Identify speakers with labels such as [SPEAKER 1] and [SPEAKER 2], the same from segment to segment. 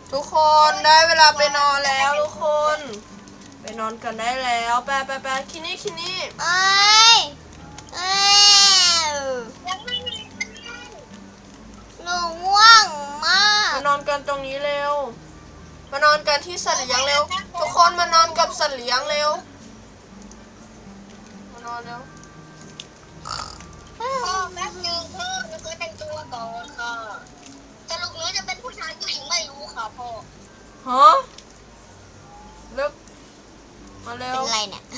[SPEAKER 1] ทุกคนได้เวลาไปนอนแล้วทุกคนไปนอนกันได้แล้วไปคินี่
[SPEAKER 2] เอ้ยเอ้ยหนูง่วงมาก
[SPEAKER 1] มานอนกันตรงนี้เร็วมานอนกันที่สัตว์เลี้ยงเร็วทุกคนมานอนกับสัตว์เลี้ยงเร็วมานอนเร็ว
[SPEAKER 3] พ่อแป๊บนึงพ่อหนูก็แต่งตัวก่อนค่ะสรุปหนูจะเป็นผู้ชายผู้หญิงไม่รู้ค่ะพ่อ
[SPEAKER 1] ฮะเร็วมาเร็ว
[SPEAKER 2] เป็นไรเนี่ย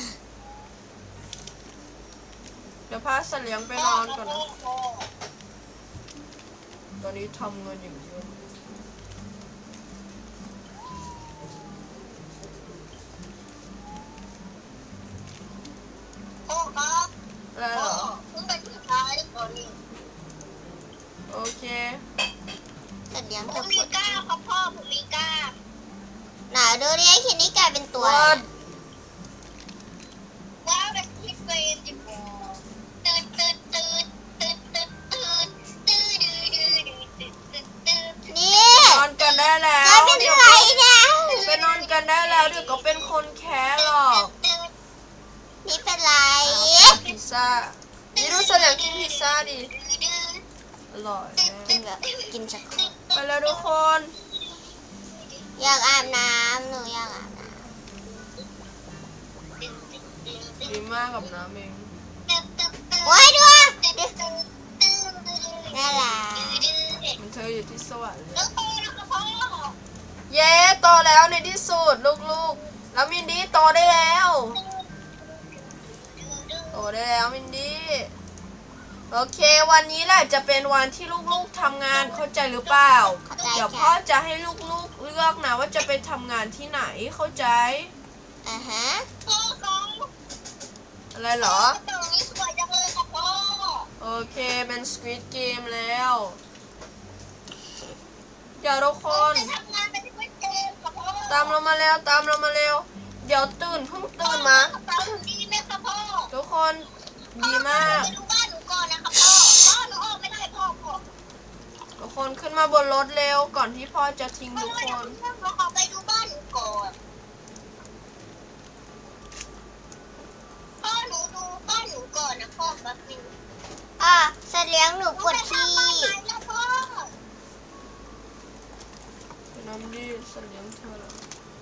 [SPEAKER 1] เดี๋ยวพาสัตว์เลี้ยงไปนอนก่อนนะตอนนี้ทำเงินอย่างเดียว
[SPEAKER 3] พ่อครับ
[SPEAKER 1] อะไรเหรอ
[SPEAKER 3] เพิ่งเป็นผู้ชายก่อนนี่
[SPEAKER 1] โอเค
[SPEAKER 2] แต่เดี๋ยว
[SPEAKER 3] ผ
[SPEAKER 2] เธอ
[SPEAKER 3] ม
[SPEAKER 2] ป
[SPEAKER 3] มี
[SPEAKER 2] วด
[SPEAKER 3] กล้าครับพ่อผมมีกล้า
[SPEAKER 2] หนาดูดิคิดนี่กลายเป็นตัว
[SPEAKER 1] วัด
[SPEAKER 3] ว้าวเป็นที่เฟรนจิ๋วตื่นตื่นตื่นตื่นตื่นตื่นตื่นตื่น
[SPEAKER 2] นี่
[SPEAKER 1] นอนกันได้แล้
[SPEAKER 2] กลายว เป็นไรเนี่ย
[SPEAKER 1] ไปนอนกันได้แล้วเดี๋ยวก็เป็นคนแค้หรอก
[SPEAKER 2] นี่เป็นไร
[SPEAKER 1] พิซซ่านี่ดูสัตว์เลี้ยงกินพิซซ่าดิอร่อย
[SPEAKER 2] กินแบบกินสักคน
[SPEAKER 1] ไปแล้วทุกคน
[SPEAKER 2] อยากอาบน้ำหนูอยากอาบน้
[SPEAKER 1] ดีมากกับน้ำเอง
[SPEAKER 2] ำโอ้ยด้วยน่ารัก
[SPEAKER 1] มันเธออยู่ที่สวรรค์เลย
[SPEAKER 3] แล้วโตแล้วค่ะพ่อ
[SPEAKER 1] เย้โตแล้วในที่สุดลูกๆแล้วมินดี้โตได้แล้วโตได้แล้วมินดี้โอเควันนี้แหละจะเป็นวันที่ลูกๆทำงานเข้าใจหรือเปล่า
[SPEAKER 2] เข้าใจ
[SPEAKER 1] เดี๋ยวพ่อ
[SPEAKER 2] ค่ะ
[SPEAKER 1] จะให้ลูกๆเลือกนะว่าจะไปทำงานที่ไหนเข้าใจ
[SPEAKER 2] ฮะ
[SPEAKER 3] พ่อครับ
[SPEAKER 1] อะไรเหรอ
[SPEAKER 3] ตรงนี้สวยจังเลยค่ะพ่อ
[SPEAKER 1] โอเคเป็น Squid Game แล้วเดี๋ยวทุกคน
[SPEAKER 3] จะทำงานเป็นผู้เกมค่ะพ่อ
[SPEAKER 1] ตามเรามาเร็วเดี๋ยวเพิ่งตื่นมา
[SPEAKER 3] ตามดีไหมคะพ่อ
[SPEAKER 1] ทุกคนดีมาก
[SPEAKER 3] ไปดูบ้านหนูก่อนนะคะพ่อพ่อหนูออกไม่ได้พ่อ
[SPEAKER 1] ทุกคนขึ้นมาบนรถเร็วก่อนที่พ่อจะทิ้งทุกคน
[SPEAKER 3] หนูขอไปดูบ้านหนูก่อนพ่อหนูดูบ้านหนูก่อนนะพ่อแป๊บนึง
[SPEAKER 2] สัตว์เลี้ยงหนูปวดขี้
[SPEAKER 3] แล้วพ่อ
[SPEAKER 1] น้ำดีสัตว์เลี้ยงเธอแล้ว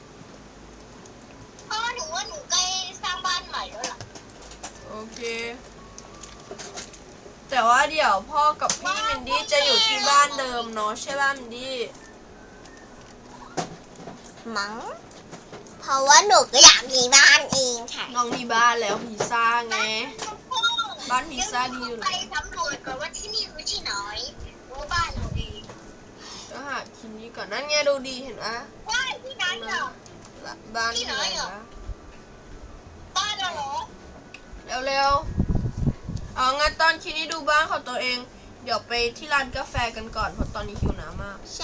[SPEAKER 3] พ่อหนูว่าหนูใกล้สร้างบ้านใหม่แล้วล่ะ
[SPEAKER 1] โอเค แต่ว่าเดี๋ยวพ่อกับพี่มินดี้จะอยู่ที่บ้านเดิมเนาะใช่ป่ะมินดี้
[SPEAKER 2] มั้งเพราะว่าหนูก็อยากมีบ้านเองค่ะ
[SPEAKER 1] น้องมีบ้านแล้วพิซซ่าไง บ้านพิซซ่าดีอยู่
[SPEAKER 3] ไป
[SPEAKER 1] แล้ว
[SPEAKER 3] สำรวจก่อนว่าที่นี่คือที่ไหนรู้บ้านหนูเอง
[SPEAKER 1] ก็หาคินนี้ก่อนนั่นไงดูดีเห็นปะ
[SPEAKER 3] ว่าที่ไหนเหรอ
[SPEAKER 1] บ้านที่ไหนนะ
[SPEAKER 3] บ้านเราเหรอ
[SPEAKER 1] เร็วๆเอางั้นตอนคินนี้ดูบ้านของตัวเอง เดี๋ยวไปที่ร้านกาแฟกันก่อนเพราะตอนนี้หิวน้ำมาก
[SPEAKER 2] ใช่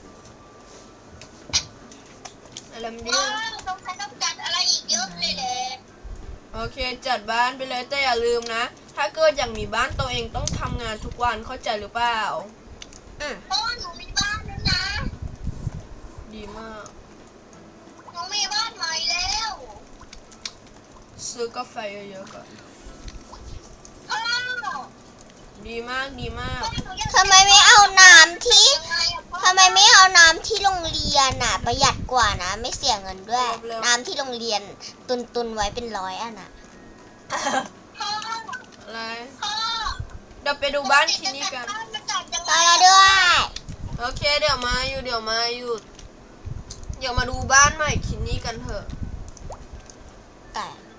[SPEAKER 1] อะไรมันดี
[SPEAKER 3] ต้องใช้ต้องจัดอะไรอีกเยอะเลยแหละ
[SPEAKER 1] โอเคจัดบ้านไปเลยแต่อย่าลืมนะ ถ้าเกิดอยากมีบ้านตัวเองต้องทำงานทุกวันเข้าใจหรือเปล่า
[SPEAKER 3] พ่อหนูมีบ้านแล้วนะ
[SPEAKER 1] ดีมาก
[SPEAKER 3] หนูมีบ้านใหม่แล้ว
[SPEAKER 1] ซื้อกาแฟเยอะๆก่อน
[SPEAKER 3] พ่อ
[SPEAKER 1] ดีมาก
[SPEAKER 2] ทำไมไม่เอาน้ำที่ทำไมไม่เอาน้ำที่โรงเรียนอ่ะ ประหยัดกว่านะ ไม่เสียเงินด้วย น้ำที่โรงเรียนตุนไว้เป็น100 อันอ่ะ
[SPEAKER 3] พ่อ
[SPEAKER 1] อะไร
[SPEAKER 3] พ่อ
[SPEAKER 1] เดี๋ยวไปดูบ้านคินนี่กัน
[SPEAKER 2] ตอนเราด้วย
[SPEAKER 1] โอเคเดี๋ยวมาอยู่เดี๋ยวมาดูบ้านใหม่คินนี่กันเถอะ
[SPEAKER 2] แต่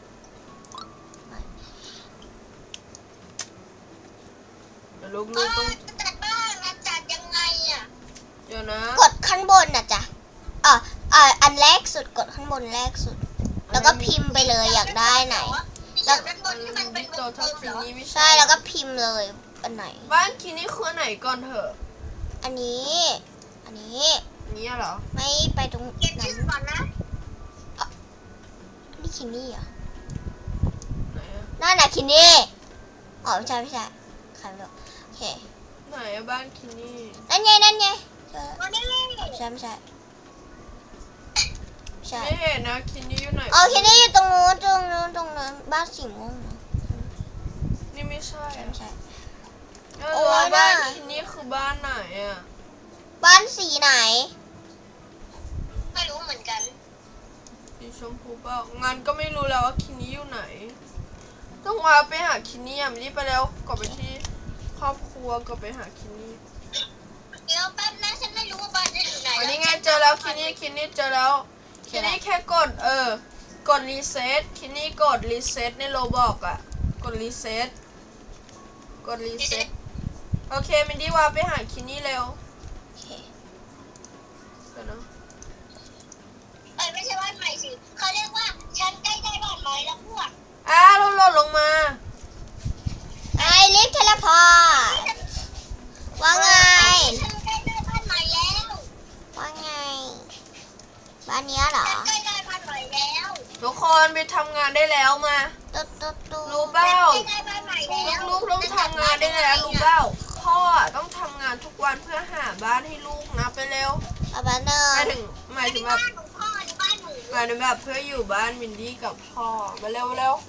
[SPEAKER 1] เดี๋ยวลูกๆต้อง
[SPEAKER 3] จัดบ้านนะจัดยังไงอ่ะ
[SPEAKER 1] เดี๋ยวนะ
[SPEAKER 2] กดข้างบนนะจ๊ะอันแรกสุดกดข้างบนแรกสุด แล้วก็พิมพ์ไปเลยอยากได้ไหน
[SPEAKER 3] แล้วด้านบนที่มันเป็น
[SPEAKER 1] โตเท่าคินนี่ไม่
[SPEAKER 2] ใช่แล้วก็พิมพ์เลยอันไหน
[SPEAKER 1] บ้านคินนี่คืออันไหนก่อนเถอะ
[SPEAKER 2] อันนี้
[SPEAKER 1] นี่เหรอ
[SPEAKER 2] ไม่ไปตรง
[SPEAKER 3] เขียน
[SPEAKER 2] นั้
[SPEAKER 3] ชื่
[SPEAKER 2] น
[SPEAKER 3] อก่อนนะ
[SPEAKER 2] นี่คินนี่เหรอ
[SPEAKER 1] ไหนอะ
[SPEAKER 2] นั่นน่ะคินนี่อ๋อไม่ใช่ใครไม่รู้โอเค
[SPEAKER 1] ไหนอะบ้านคินนี่
[SPEAKER 2] นั่นไงเจอ
[SPEAKER 3] วันนี้
[SPEAKER 2] ไม่ใช่ช่
[SPEAKER 1] ไม่เห็นนะคินนี่อยู่ไหน
[SPEAKER 2] อ๋อคิดได้อยู่ตรงนู้นตรงนู้นตรงนั้นบ้านสีม่วงนะ
[SPEAKER 1] นี่ไม่ใช่อะ
[SPEAKER 2] ไม่ใช่
[SPEAKER 1] เอ
[SPEAKER 2] โอ้
[SPEAKER 1] อย บ้าน
[SPEAKER 2] น่ะ
[SPEAKER 1] คินนี่คือบ้านไหนอ่ะ
[SPEAKER 2] บ้านสีไหน
[SPEAKER 3] ไม่รู้เหมือนกัน
[SPEAKER 1] สีชมพูเปล่างั้นก็ไม่รู้แล้วว่าคินนี่อยู่ไหน ต้องมาไปหาคินนี่อ่ะไม่ได้ไปแล้วกลับไปที่ครอบครัวกลับไปหาคินนี่
[SPEAKER 3] เดี๋ยวแป๊บนะฉันไม่รู้ว่าบ้านจะอยู่ไหน
[SPEAKER 1] อันนี้ไงเจอแล้วคินนี่เจอแล้วคินนี่แค่กดกดรีเซ็ตคินนี่กดรีเซ็ตในโรบอกอ่ะกดรีเซ็ตโอเคมินดี้ว่าไปหาคินนี่เร็ว
[SPEAKER 2] โอเค
[SPEAKER 1] เดี๋ยวนะ
[SPEAKER 3] ไม่ใช่บ้านใหม่สิเขาเรียกว่าฉันใกล้ได้บ้านใหม่แล้วพวก
[SPEAKER 1] เราหล่นลงมา
[SPEAKER 2] ไอลิฟต์เทเลพอร์ตว่าไง
[SPEAKER 3] ฉันใกล้ได้บ้านใหม่แล้ว
[SPEAKER 2] ว่าไง บ้านเนี้ยเหรอ
[SPEAKER 3] ฉันใกล้ได้บ้านใหม่แล้ว
[SPEAKER 1] ทุกคนไปทำงานได้แล้วมา
[SPEAKER 2] ตุ๊ดตุ๊ดตุ๊ด
[SPEAKER 1] รู้เปล่า
[SPEAKER 3] ใกล้ได้บ้านใหม่แล้ว
[SPEAKER 1] ลูกต้องทำงานได้แล้วรู้เปล่าพ่อต้องทำงานทุกวันเพื่อหาบ้านให้ลูกนะไปเร็ว
[SPEAKER 2] เอาบ้านเดิ
[SPEAKER 1] หมายถึงแบบ
[SPEAKER 3] บ้านของพ่อในบ้านหนู
[SPEAKER 1] หมายถึงแบบเพื่ออยู่บ้านมินดี้กับพ่อมาเร็วมาเร็ว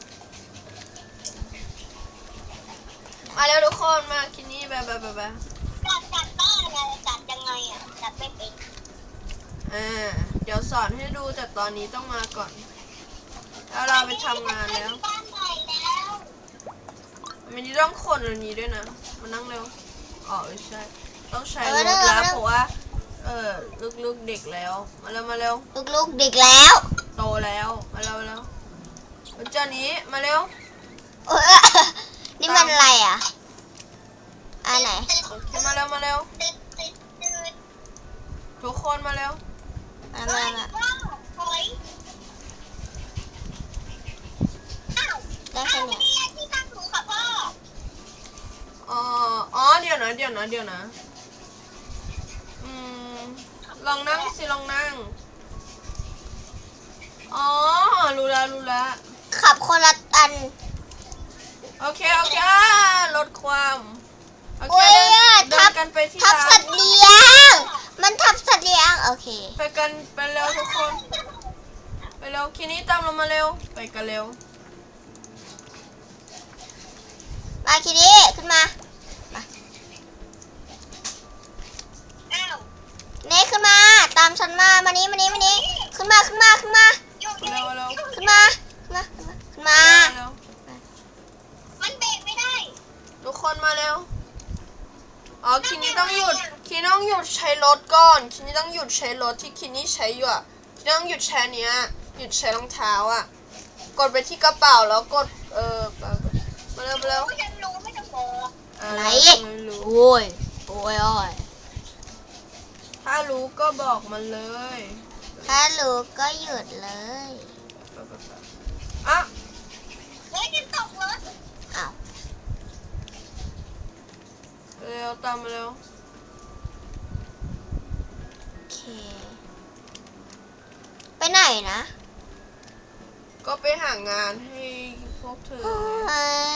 [SPEAKER 1] ทุกคนมาคินนี่แบบ
[SPEAKER 3] จัดบ้านอะไรจัดยังไงอ่ะจัดไม่เป็น
[SPEAKER 1] เดี๋ยวสอนให้ดูแต่ตอนนี้ต้องมาก่อนแล้วเราไปทำงานแล้ว
[SPEAKER 3] บ้านใหม่แล้ว
[SPEAKER 1] มินดี้ต้องขนอันนี้ด้วยนะมานั่งเร็วอ๋อไม่ใช่ต้องใช้รถแล้วเพราะว่าลูกๆเด็กแล้วมาเร็ว
[SPEAKER 2] ลูกๆเด็กแล้ว
[SPEAKER 1] โตแล้วมาเร็วเจ้านี้มาเร็ว
[SPEAKER 2] เออนี่มันอะไรอ่ะอันไหน
[SPEAKER 1] มาเร็วทุกคนมาเร็ว
[SPEAKER 2] มา
[SPEAKER 3] เฮ้
[SPEAKER 2] มาย มา
[SPEAKER 3] พ่อหอยอ้าว
[SPEAKER 2] ได้แค่เนี้ย
[SPEAKER 3] นี่ที่ตั้งหนูค่ะพ่อ
[SPEAKER 1] อ๋อเดี๋ยวนะลองนั่งสิลองนั่งอ๋อรู้แล้ว
[SPEAKER 2] ขับคนละอัน
[SPEAKER 1] โอเคลดความโอเค
[SPEAKER 2] โอ้ย
[SPEAKER 1] เดินกันไปที่
[SPEAKER 2] ทับ
[SPEAKER 1] ร้า
[SPEAKER 2] สั
[SPEAKER 1] น
[SPEAKER 2] ตว์เลี้ยง มันทับสัตว์เลี้ยง โอเค
[SPEAKER 1] ไปเร็วทุกคนไปเร็วคินี่ตามเรามาเร็วไปกันเร็ว
[SPEAKER 2] มาคิดดี้ขึ้นมา
[SPEAKER 3] อ้าว
[SPEAKER 2] เน่ขึ้นมา ตามฉันมามานี้ขึ้นมา ขึ้นมา
[SPEAKER 3] โยก
[SPEAKER 1] มาเร็ว
[SPEAKER 2] ขึ้นมา ขึ้นมา
[SPEAKER 1] เร็ว
[SPEAKER 3] มันเบรกไม่ได้
[SPEAKER 1] ทุกคนมาเร็วอ๋อคินี่ต้องหยุดใช้รถก่อนคินี่ต้องหยุดใช้รถที่คินี่ใช้อยู่อ่ะคินี่ต้องหยุดใช้เนี้ยหยุดใช้รองเท้าอ่ะกดไปที่กระเป๋าแล้วกดมาเร็ว
[SPEAKER 3] ฉันรู้ไม่ต้องบอก
[SPEAKER 2] อะไร
[SPEAKER 1] ไม่รู้
[SPEAKER 2] โอ้ย
[SPEAKER 1] ถ้ารู้ก็บอกมาเลย
[SPEAKER 2] ถ้ารู้ก็หยุดเลย
[SPEAKER 1] อ่ะ
[SPEAKER 3] เฮ้ยฉันตกรถ
[SPEAKER 2] อ้าว
[SPEAKER 1] เร็วตามมาเร็ว
[SPEAKER 2] โอเค ไปไหนนะ
[SPEAKER 1] ก็ไปหางานให้พวกเธอไง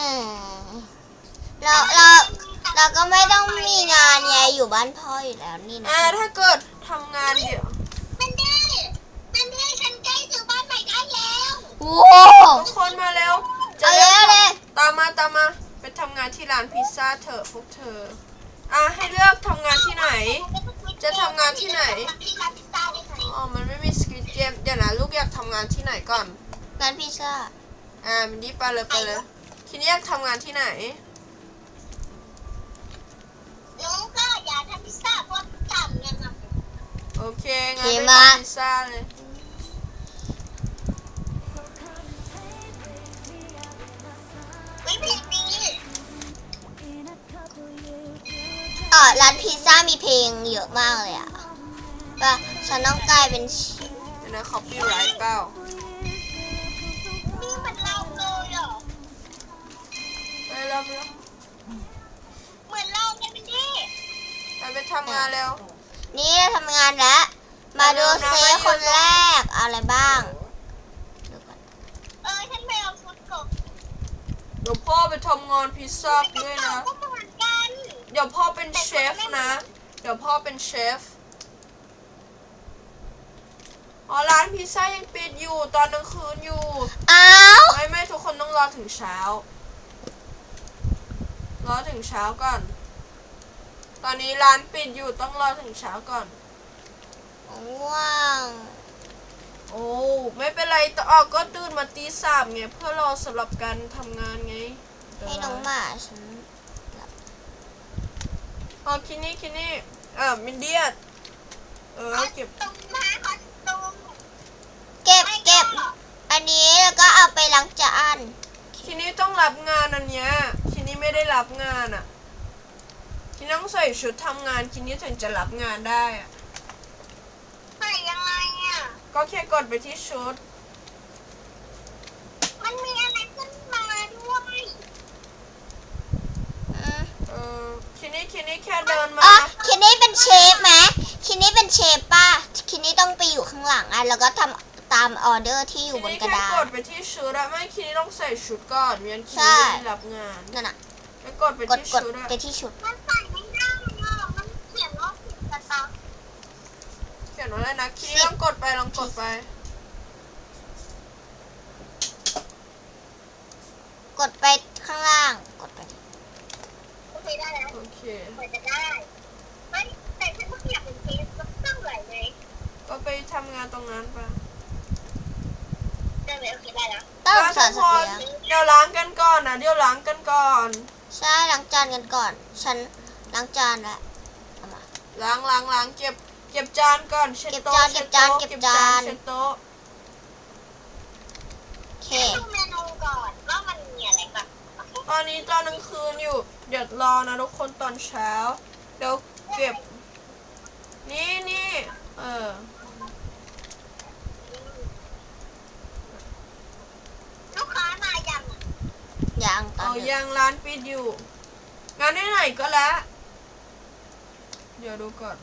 [SPEAKER 2] เราก็ไม่ต้องมีงานไงอยู่บ้านพ่ออยู่แล้วนี่นะ
[SPEAKER 1] ถ้าเกิดทำงานเดี๋ยว
[SPEAKER 3] เป็นที่ฉันใกล้ถึงบ้านใหม่ได้แล้ว
[SPEAKER 2] โอ้
[SPEAKER 1] ทุกคนมาเร็ว
[SPEAKER 2] เอาเร็วเลย
[SPEAKER 1] ตามมาไปทำงานที่ร้านพิซซ่าเถอะพวกเธอให้เลือกทำงานที่ไหน จะทำงานที่ไหน
[SPEAKER 3] ที่ร้านพิซซ่าได้ไหม
[SPEAKER 1] อ๋อมันไม่มีสคริปต์เกมเดี๋ยวนะลูกอยากทำงานที่ไหนก่อน
[SPEAKER 2] ร้านพิซซ่า
[SPEAKER 1] มินดี้ไปเลยทีนี้อยากทำงานที่ไหน
[SPEAKER 3] น้องก็อยากทำพิซซ่าเพราะทำเนี่ยนะ
[SPEAKER 1] โอเคงั้นไปทำพิซซ่าเลย
[SPEAKER 3] ไม่เพลงนี้
[SPEAKER 2] ร้านพิซซ่ามีเพลงเยอะมากเลยอะว่าฉันต้องกลายเป็น
[SPEAKER 1] เดี๋ยวนะ copyright เปล่า
[SPEAKER 3] นี่มันเราเลยเหรอ
[SPEAKER 1] ไปเร็ว
[SPEAKER 3] เหมือนเราเนี่ยเป็นที่
[SPEAKER 1] ไปทำงานเร็ว
[SPEAKER 2] นี่ทำงานแล้ว มาดูเซคนแรกเอาอะไรบ้างดูก่อน
[SPEAKER 3] ฉันไปเอาฟุตกบ
[SPEAKER 1] เดี๋ยวพ่อไปทำงานพิซซ่าด้วยนะ
[SPEAKER 3] ก็เหมือนกัน
[SPEAKER 1] เดี๋ยวพ่อเป็นเชฟนะ เดี๋ยวพ่อเป็นเชฟอ๋อร้านพิซซ่ายังปิดอยู่ตอนกลางคืนอยู่
[SPEAKER 2] อ้าว
[SPEAKER 1] ไม่ทุกคนต้องรอถึงเช้า รอถึงเช้าก่อน ตอนนี้ร้านปิดอยู่ต้องรอถึงเช้าก่อน
[SPEAKER 2] ว้าว
[SPEAKER 1] โอ้ไม่เป็นไรแต่ออกก็ตื่นมาตี 3ไงเพื่อรอสำหรับการทำงานไง
[SPEAKER 2] ให้น้องหมาฉัน
[SPEAKER 1] อ๋อคินี่มินเดียเก็บ
[SPEAKER 3] ตรงมาขอตรง
[SPEAKER 2] เก็บ อันนี้แล้วก็เอาไปล้างจาน
[SPEAKER 1] คินี่ต้องรับงานอันเนี้ยคินี่ไม่ได้รับงานอ่ะคินี่ต้องใส่ชุดทำงานคินี่ถึงจะรับงานได้อ่ะ
[SPEAKER 3] ใส่ยังไงอ่ะ
[SPEAKER 1] ก็แค่กดไปที่ชุด
[SPEAKER 3] มันมีอะไรขึ้นมาด้วย
[SPEAKER 1] คินี่แค่เดินมา
[SPEAKER 2] อ๋อคินนี่เป็นเชฟไหมคินนี่เป็นเชฟป่ะคินนี่ต้องไปอยู่ข้างหลังอ่ะแล้วก็ทำตามออเดอร์ที่อยู่บนกระดา
[SPEAKER 1] คินี่แค่ก
[SPEAKER 2] ษ
[SPEAKER 1] ดไปที่ชุดอะไม่คินี่ต้องใส่ชุดก่อนไม่งั้นคิ
[SPEAKER 2] ใช่
[SPEAKER 1] นี่ไม่ได้รับงาน
[SPEAKER 2] นั่นน่ะ
[SPEAKER 1] แล้วกดไป
[SPEAKER 2] กด
[SPEAKER 1] ที่
[SPEAKER 2] กด
[SPEAKER 1] ชุดอะ
[SPEAKER 2] ไปที่ชุด
[SPEAKER 3] มันใส่ไม่ได้อ่ะมันเขียนว่าผิดสต็อก
[SPEAKER 1] เขียนว่าอะไรนะคินี่ลองกดไป
[SPEAKER 2] กดไปข้างล่างกดไป
[SPEAKER 3] โอเคได้แล้ว
[SPEAKER 1] โอเค
[SPEAKER 3] เหมือนจะได้เฮ้ยแต่ฉันก็อยากเป็นเชฟก็ต้องไหลไหม
[SPEAKER 1] ก็ไปทำงานตรงนั้นไป
[SPEAKER 3] ได้ไหมโอเคได้แล้ว
[SPEAKER 2] ต้อง
[SPEAKER 1] แล้ว
[SPEAKER 2] สอ
[SPEAKER 1] ทุ
[SPEAKER 2] น
[SPEAKER 1] ก
[SPEAKER 2] สั
[SPEAKER 1] ค
[SPEAKER 2] ตว์
[SPEAKER 1] น
[SPEAKER 2] เลี้ยง
[SPEAKER 1] เดี๋ยวล้างกันก่อนนะเดี๋ยวล้างกันก่อน
[SPEAKER 2] ใช่ล้างจานกันก่อน ฉันล้างจานแล้วเอามา
[SPEAKER 1] ล้างเก็บจานก่อนเช็ดโต๊ะ
[SPEAKER 2] เก็บจาน
[SPEAKER 1] เช็ดโต๊ะ
[SPEAKER 2] โอเค
[SPEAKER 3] ดูเมนูก่อนว่ามันมีอะไรก่อน
[SPEAKER 1] ตอนนี้ตอนกลางคืนอยู่เดี๋ยวรอนะทุกคนตอนเช้าเดี๋ยวเก็บนี่
[SPEAKER 3] ลูกค้ามายังอ่ะ
[SPEAKER 2] ยังตอ
[SPEAKER 1] เอา
[SPEAKER 2] นนี้
[SPEAKER 1] ยังร้านปิดอยู่งานไหนก็แล้วเดี๋ยวดูก่อน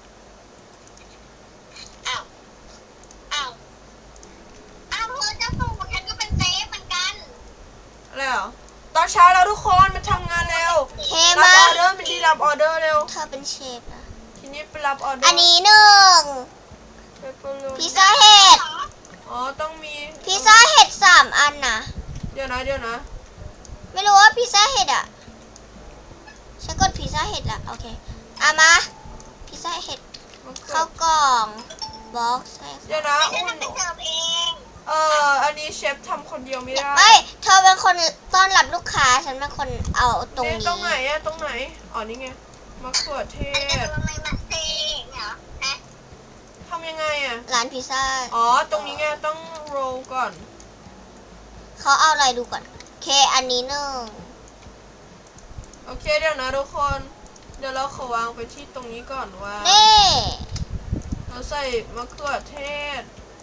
[SPEAKER 3] อ้าวเธอจะส่งฉันก็เป็นเซฟเหมือนกัน
[SPEAKER 1] อะไรเหรอตอนเช้าแล้วทุกคนมาทำงานเร็ว
[SPEAKER 2] เค
[SPEAKER 1] รับ
[SPEAKER 2] มา
[SPEAKER 1] ออเดอร์ไม่ดีรับออเดอร์เร็ว
[SPEAKER 2] เธอเป็นเชฟนะ
[SPEAKER 1] ทีนี้ไปรับออเดอร์
[SPEAKER 2] อันนี้หนึ่ง
[SPEAKER 1] เปปเปอร์โรนี
[SPEAKER 2] พิซซ่าเห็ด
[SPEAKER 1] อ๋อต้องมี
[SPEAKER 2] พิซซ่าเห็ด3 อันนะ
[SPEAKER 1] เดี๋ยวนะ
[SPEAKER 2] ไม่รู้ว่าพิซซ่าเห็ดอ่ะ ฉันกดพิซซ่าเห็ดละโอเคเอามา พิซซ่าเห็ด
[SPEAKER 1] มะเขื
[SPEAKER 2] เข้า
[SPEAKER 1] อก
[SPEAKER 2] ล่องบ็อกซ์ให้
[SPEAKER 1] เดี๋ยวนะ
[SPEAKER 3] ไม่
[SPEAKER 1] อุ่
[SPEAKER 3] ได้
[SPEAKER 1] น
[SPEAKER 3] ทำไปเสิร์ฟเอง
[SPEAKER 1] อันนี้เชฟทำคนเดียวไม่ได้
[SPEAKER 2] เอ้ยเธอเป็นคนต้อนรับลูกค้า ฉันเป็นคนเอาตรง
[SPEAKER 1] เนี่ย
[SPEAKER 2] นี้
[SPEAKER 1] ตรงไหนอะตรงไหนอ๋อนี่ไงมะเขือเท
[SPEAKER 3] แต่
[SPEAKER 1] ศ
[SPEAKER 3] ทำไมมาเซเนี่ยเหรอฮะ
[SPEAKER 1] ทำยังไงอะ
[SPEAKER 2] ร้านพิซซ่า
[SPEAKER 1] อ๋อตรงนี้ไงต้องโรลก่อน
[SPEAKER 2] เขาเอาอะไรดูก่อนเคอันนี้หนึ่ง
[SPEAKER 1] โอเคเดี๋ยวนะทุกคนเดี๋ยวเราขอวางไปที่ตรงนี้ก่อนว่า
[SPEAKER 2] นี่
[SPEAKER 1] เราใส่มะเขือเทศ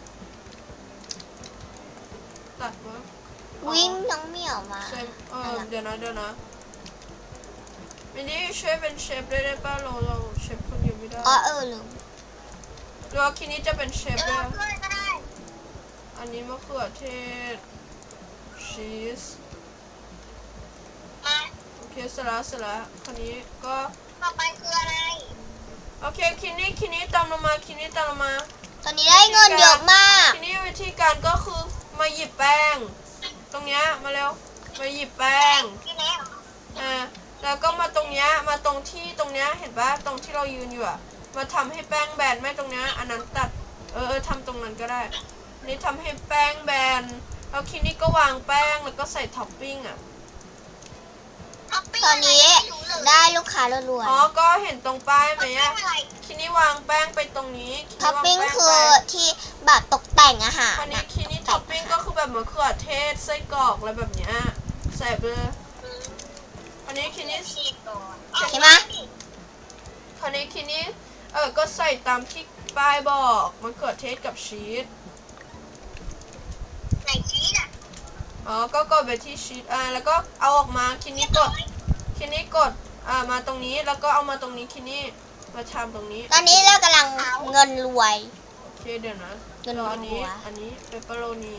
[SPEAKER 1] ตัดวะ
[SPEAKER 2] วิ่งน้องเหมียวมา
[SPEAKER 1] ใส่เดี๋ยวนะมินนี่ช่วยเป็นเชฟได้ป่ะเราเชฟคนเดียวไม่ได้
[SPEAKER 2] อ๋อลืม
[SPEAKER 1] หรือว่าคินี้จะเป็นเชฟ
[SPEAKER 3] เดี๋ยว
[SPEAKER 1] ได้
[SPEAKER 3] เราช่วยก็ได้
[SPEAKER 1] อันนี้มะเขือเทศชีส
[SPEAKER 3] มา
[SPEAKER 1] โอเคเสร็จแล้วคันนี้ก็
[SPEAKER 3] ต่อไปคืออะไร
[SPEAKER 1] โอเคคินี้ตามลงมา
[SPEAKER 2] ตอนนี้ได้เงินเยอะมาก
[SPEAKER 1] คินี้วิธีการก็คือมาหยิบแป้ง ตรงเนี้ยมาเร็วมาหยิบแป้ง
[SPEAKER 3] พี่เล็ก
[SPEAKER 1] แล้วก็มาตรงเนี้ยมาตรงที่ตรงเนี้ยเห็นปะตรงที่เรายืนอยู่อะมาทำให้แป้งแบนไม่ตรงเนี้ยอันนั้นตัดทำตรงนั้นก็ได้นี่ทำให้แป้งแบนแล้วคินี้ก็วางแป้งแล้วก็ใส่ท็อปปิ้งอะ
[SPEAKER 2] ตอนนี้ได้ลูกค้ารัว
[SPEAKER 1] อ๋อก็เห็นตรงป้ายไหม
[SPEAKER 3] ไม่
[SPEAKER 1] อะ
[SPEAKER 3] อะไร
[SPEAKER 1] คินี้วางแป้งไปตรงนี้คิ
[SPEAKER 2] ๆ
[SPEAKER 1] นี้
[SPEAKER 2] ท็อปปิ้ง
[SPEAKER 1] วาแป้
[SPEAKER 2] คือ
[SPEAKER 1] ไป
[SPEAKER 2] ที่แบบตกแต่งอาหาร
[SPEAKER 1] อันนี้
[SPEAKER 2] นะ
[SPEAKER 1] คินี้ท็อปปิ้งก็คือแบบมะเขือเทศไส้กรอกอะไรแบบเนี้ยใส่ไปเลยอันนี้คินี้
[SPEAKER 3] ชีสก่อน
[SPEAKER 2] ใช่ไหม
[SPEAKER 1] คราวนี้คินี้ก็ใส่ตามที่ป้ายบอกมะเขือเทศกับชีส
[SPEAKER 3] ไหนชีสอ่ะ
[SPEAKER 1] อ๋อก็กดไปที่ชีสแล้วก็เอาออกมาคินี้กดมาตรงนี้แล้วก็เอามาตรงนี้คินี้มาทำตรงนี้
[SPEAKER 2] ตอนนี้เรากำลังเงินรวย
[SPEAKER 1] โอเคเดี๋ยวนะ
[SPEAKER 2] เงิน
[SPEAKER 1] รออันนี้
[SPEAKER 2] รัว
[SPEAKER 1] อันนี้เปปเปอโรนี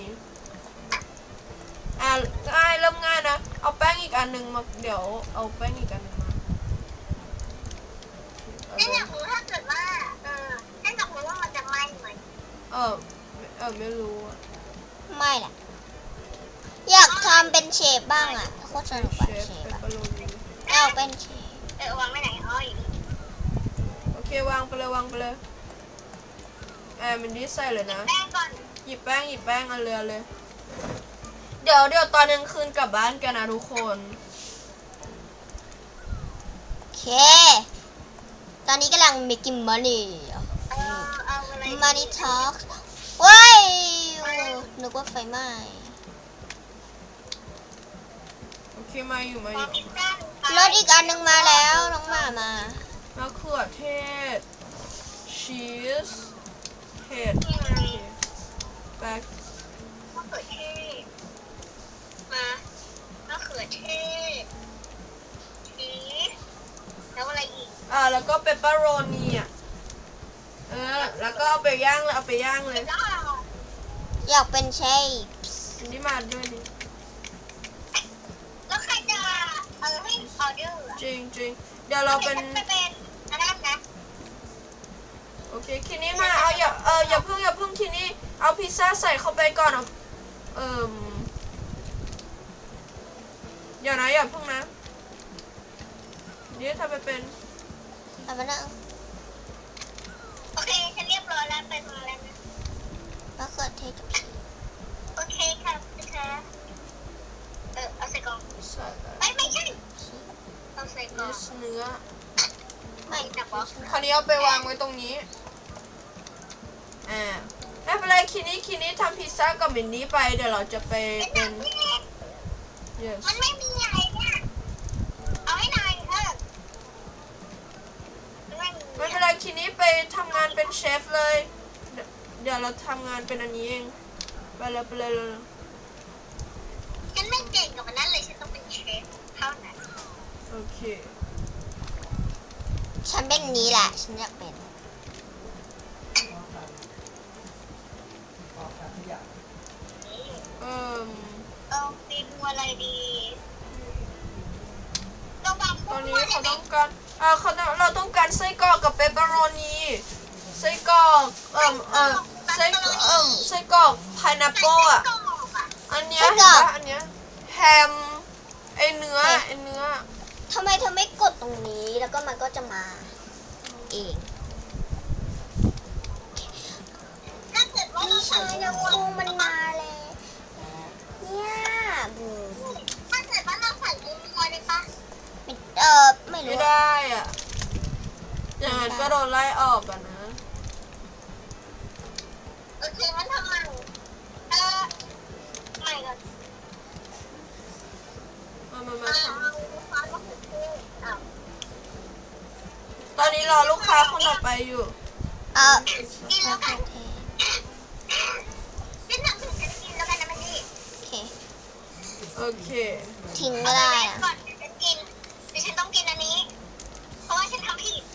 [SPEAKER 1] ง่ายเริ่มง่ายนะเอาแป้งอีกอันหนึ่งมาเดี๋ยวเอาแป้งอีกอันหนึ่งมาเอา
[SPEAKER 3] ฉัน
[SPEAKER 1] เล
[SPEAKER 3] อย ยากรู้ถ้าเกิดว่าฉันอยากรู้ว่ามันจะไหม้ไหม
[SPEAKER 1] ไม่รู้อะ
[SPEAKER 2] ไม่ล่ะ อยากทำเป็นเชฟบ้างอ่ะโคตรสนุก
[SPEAKER 1] เช
[SPEAKER 2] อะ
[SPEAKER 1] ฟ
[SPEAKER 2] เชฟ
[SPEAKER 1] เปป
[SPEAKER 2] อะ
[SPEAKER 1] เปอโรนี
[SPEAKER 2] อยากเป็นเชฟ
[SPEAKER 3] วางไว้ไหนอ๋ออยู่นี่
[SPEAKER 1] โอเควางไปเลยวางไปเลยมันดีใส่เลยนะ
[SPEAKER 3] แป้งก่อน
[SPEAKER 1] หยิบแป้งเอาเรือเลย เดี๋ยวตอนกลางคืนกลับบ้านกันนะทุกคน
[SPEAKER 2] โอเค ตอนนี้กำลัง making money
[SPEAKER 3] เอาอะไร
[SPEAKER 2] money talk ว้ายนึกว่าไฟไหม้
[SPEAKER 1] โอเคมาอยู่
[SPEAKER 3] พอพิซซ่าร
[SPEAKER 2] ถอีกอันหนึงมาแล้วน้องหมามา
[SPEAKER 1] มะเขือเทศชีสเห็ดโอเคแป๊ก
[SPEAKER 3] มะเขือเทศมามะเขือเทศชีสแล้วอะไรอีก
[SPEAKER 1] แล้วก็เปปเปอโรนีแล้วก็เอาไปย่างเลย
[SPEAKER 3] แล้ว
[SPEAKER 2] อยากเป็นเชฟ
[SPEAKER 1] อันนี้มาด้วยนี่
[SPEAKER 3] แล้วใครจะให้ออเดอร์
[SPEAKER 1] จริงเดี๋ยวเราเป็น
[SPEAKER 3] จะเป็นอันนั้นนะ
[SPEAKER 1] โอเคคินี่มาเอาอย่าเพิ่งคินี่เอาพิซซ่าใส่เข้าไปก่อนอย่าเพิ่งนะนี่ทำไปเป็น
[SPEAKER 2] เอามานั่ง
[SPEAKER 3] โอเคฉันเรียบร้อยแล้วไปมาแล้วนะ
[SPEAKER 2] มะเขือเทศกับชีส
[SPEAKER 3] โอเคค่ะพี่คะเอาใส่กล่อง
[SPEAKER 1] ใส่แบบ
[SPEAKER 3] ไม่ใช่เอาใส่กล่อง
[SPEAKER 1] เนื้อ
[SPEAKER 3] ไม่จับบอก
[SPEAKER 1] คราวนี้เอาไปวางไว้ตรงนี้ไม่เป็นไรคินี่ทำพิซซ่ากับมินนี่ไปเดี๋ยวเราจะไปเป็น yes
[SPEAKER 3] มันไม่มีอะไรเนี่ยเอาให้นาย
[SPEAKER 1] ไม่เป็นไรคินี่ไปทำงานเป็นเชฟเลยเดี๋ยวเราทำงานเป็นอันนี้เองไปเลย
[SPEAKER 3] ฉันไม่เก่งกับมันนั่นเลยฉันต้องเป็นเชฟเท่านั้น
[SPEAKER 1] โอเค
[SPEAKER 2] ฉันเป็นนี้แหละ ฉันอยากเป็น
[SPEAKER 3] เอาเมนูอะไรดีเราวาง
[SPEAKER 1] ตอนนี้เขาต้องการเราต้องการไส้กรอกกับเปปเปอโรนีไส้กรอกไส้กรอกพายนัปเปิลอ่ะอันเนี้ย
[SPEAKER 2] ไส้
[SPEAKER 1] เห็น
[SPEAKER 2] กรอก
[SPEAKER 1] ปะอันเนี้ยแฮมไอเนื้อ
[SPEAKER 2] ทำไมเธอไม่กดตรงนี้แล้วก็มันก็จะมาเอง
[SPEAKER 3] ถ้าเกิดว่าเรา
[SPEAKER 2] นี่
[SPEAKER 3] ใส่
[SPEAKER 2] ชาย
[SPEAKER 3] เนื้
[SPEAKER 2] นะ
[SPEAKER 3] อ
[SPEAKER 2] ครูมันมาเลยเนี่ยบูม
[SPEAKER 3] ถ้าเกิดว่าเราใส่เนื้อได้ปะ
[SPEAKER 2] ไม่
[SPEAKER 1] ไม่
[SPEAKER 2] รู้
[SPEAKER 1] ได้อ่ะอย่างนั้นก็โดนไล่ออกอ่ะนะ
[SPEAKER 3] โอเคงั้นทำใหม่ใหม่ก่อน
[SPEAKER 1] มา
[SPEAKER 3] เอาซอสมะเขือเทศเอา
[SPEAKER 1] ตอนนี้รอลูกค้าคนต่อไปอยู่
[SPEAKER 3] กินแล้วกันเป็นหนังที่ฉันกินแล้วกันนะมันนี่
[SPEAKER 2] โอเค
[SPEAKER 1] โอเค
[SPEAKER 2] ทิ้งไม่ได้
[SPEAKER 3] เอา
[SPEAKER 2] อะ
[SPEAKER 3] ก่อนเดี๋ยวฉันกินเดี๋ยวฉันต้องกินอันนี้ เพราะว่าฉันทำผิด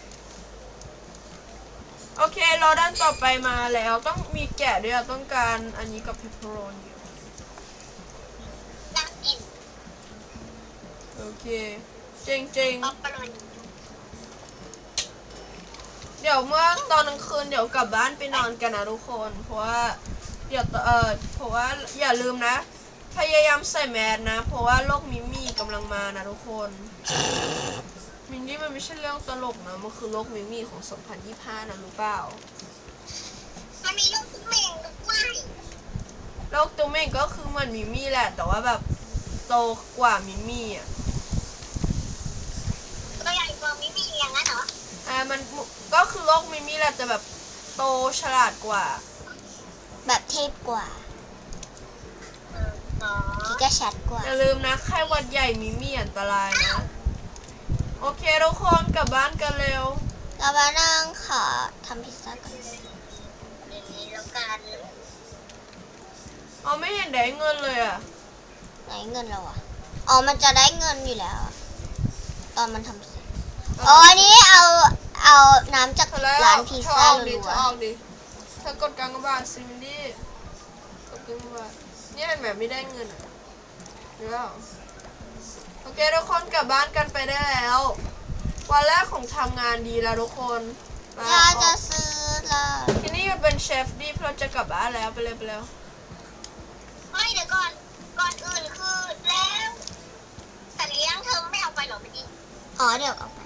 [SPEAKER 1] โอเครอด้านต่อไปมาแล้วต้องมีแกะด้วยต้องการอันนี้กับเพปเปอโรนี
[SPEAKER 3] น่ากิน
[SPEAKER 1] โอเคจริง
[SPEAKER 3] ป๊อปปะโรนี
[SPEAKER 1] เดี๋ยวเมื่อตอนกลางคืนเดี๋ยวกลับบ้านไปนอนกันนะทุกคนเพราะว่าเพราะว่าอย่าลืมนะ พยายามใส่แมสนะ เพราะว่าโรคมิมี่กำลังมานะทุกคนมินนี่มันไม่ใช่เรื่องตลกนะมันคือโรคมิมี่ของ 2025 นะรู้เปล่า
[SPEAKER 3] มันมีลูกตุ้มเมงด้วย
[SPEAKER 1] โรคตัวเม่งก็คือเหมือนมิมี่แหละ แต่ว่าแบบโตกว่ามิมี่อ่ะ
[SPEAKER 3] ตัวใหญ่กว่ามิมี่อย่างนั้นเหรอ
[SPEAKER 1] มันก็คือโรคมิมี่แหละแต่แบบโตฉลาดกว่า
[SPEAKER 2] แบบเทพกว่า
[SPEAKER 3] อ๋อ
[SPEAKER 2] ที่ก็ชัดกว่า
[SPEAKER 1] อย่าลืมนะไข้หวัดใหญ่มิมี่อันตรายนะ โอเคทุกคนกลับบ้านกันเร็ว
[SPEAKER 2] เรามานั่งขอทำพิซซ่ากัน
[SPEAKER 3] อย่างนี้แล้วกัน
[SPEAKER 1] ไม่เห็นได้เงินเลยอ่ะ
[SPEAKER 2] ไหนเงินเราอะอ๋อ มันจะได้เงินอยู่แล้วอะตอนมันทำเสร็จ อ๋อ อันนี้เอาน้ำจาก
[SPEAKER 1] เธอแล้ว
[SPEAKER 2] ร้านพิซซ่า
[SPEAKER 1] เธ
[SPEAKER 2] รั
[SPEAKER 1] อ
[SPEAKER 2] ว
[SPEAKER 1] ออกดิเธอกดกลางกระบาดซิมดี้กดกลางกระบาดเนี่ยเห็นแบบไม่ได้เงินอ่ะเดี๋ยวโอเคทุกคนกลับบ้านกันไปได้แล้ว วันแรกของทำงานดีแล้วทุกคน
[SPEAKER 2] ๆเราจะซื้อละ
[SPEAKER 1] ที่นี่หยุดเป็นเชฟดิเราจะกลับบ้านแล้วไปเร็วไปเร็ว
[SPEAKER 3] ไม่เดี๋ยวก่อนอื่นคือแล้วสัตว์เลี้ยงเธอไม่เอาไปหรอเมื่อกี้
[SPEAKER 2] อ๋อเดี๋ยวเอาไป